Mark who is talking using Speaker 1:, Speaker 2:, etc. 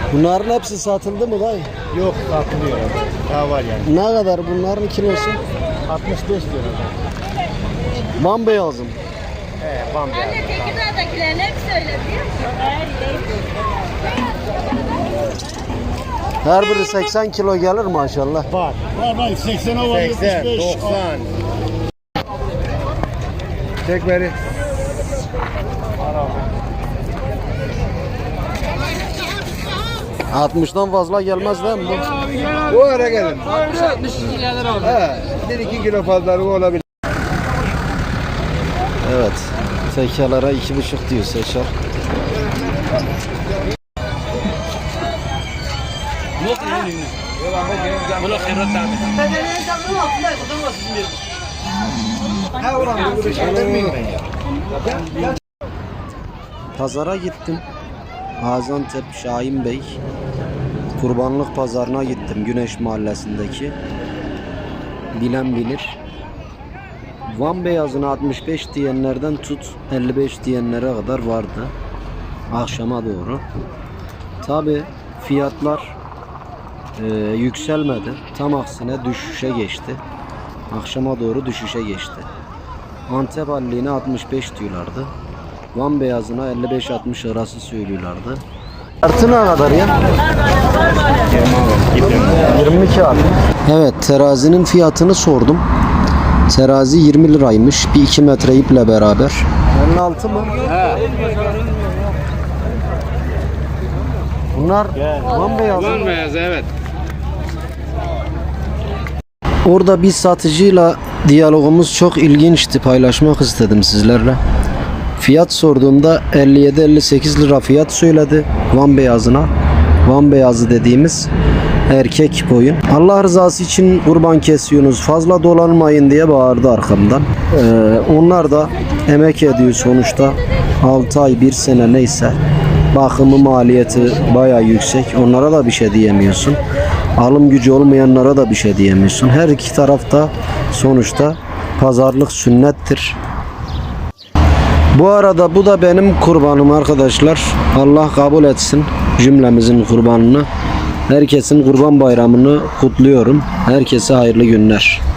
Speaker 1: Bunların hepsi satıldı mı dayı?
Speaker 2: Yok, satılıyor. Daha var yani.
Speaker 1: Ne kadar bunların kilosu?
Speaker 2: 65 lira.
Speaker 1: Bambeyazım.
Speaker 2: Bambi.
Speaker 3: Anne Tekirdağ'dakilerin hepsi öyle biliyor musun?
Speaker 1: Her biri 80 kilo gelir maşallah.
Speaker 2: Var.
Speaker 4: Var 80'e var
Speaker 2: 80,
Speaker 4: 75.
Speaker 2: 90. Çek beni.
Speaker 1: 60'dan fazla gelmez değil mi bu?
Speaker 2: Bu ara gelin.
Speaker 5: 62 gelir abi.
Speaker 2: He, 1-2 kilo fazlalığı olabilir.
Speaker 1: Evet. Tekerlere 2,5 diyor Seçer.
Speaker 5: Bunu khairat tane.
Speaker 1: Pazara gittim. Gaziantep Şahin Bey Kurbanlık Pazarına gittim. Güneş Mahallesi'ndeki. Bilen bilir. Van beyazına 65 diyenlerden tut 55 diyenlere kadar vardı. Akşama doğru. Tabi fiyatlar yükselmedi. Tam aksine düşüşe geçti. Akşama doğru düşüşe geçti. Antep halliğine 65 diyorlardı. Van beyazına 55-60 arası söylüyorlardı. Artı ne kadar ya? 22 abi. Evet, terazinin fiyatını sordum. Terazi 20 liraymış. Bir 2 metre iple beraber. 56 mı? He. Bunlar van beyazı.
Speaker 5: Van beyazı evet.
Speaker 1: Orada bir satıcıyla diyalogumuz çok ilginçti. Paylaşmak istedim sizlerle. Fiyat sorduğumda 57-58 lira fiyat söyledi Van beyazına. Van beyazı dediğimiz erkek koyun. Allah rızası için kurban kesiyorsunuz, fazla dolanmayın diye bağırdı arkamdan. Onlar da emek ediyor sonuçta. 6 ay 1 sene neyse. Bakımı maliyeti bayağı yüksek. Onlara da bir şey diyemiyorsun. Alım gücü olmayanlara da bir şey diyemiyorsun. Her iki tarafta sonuçta pazarlık sünnettir. Bu arada bu da benim kurbanım arkadaşlar. Allah kabul etsin cümlemizin kurbanını. Herkesin kurban bayramını kutluyorum. Herkese hayırlı günler.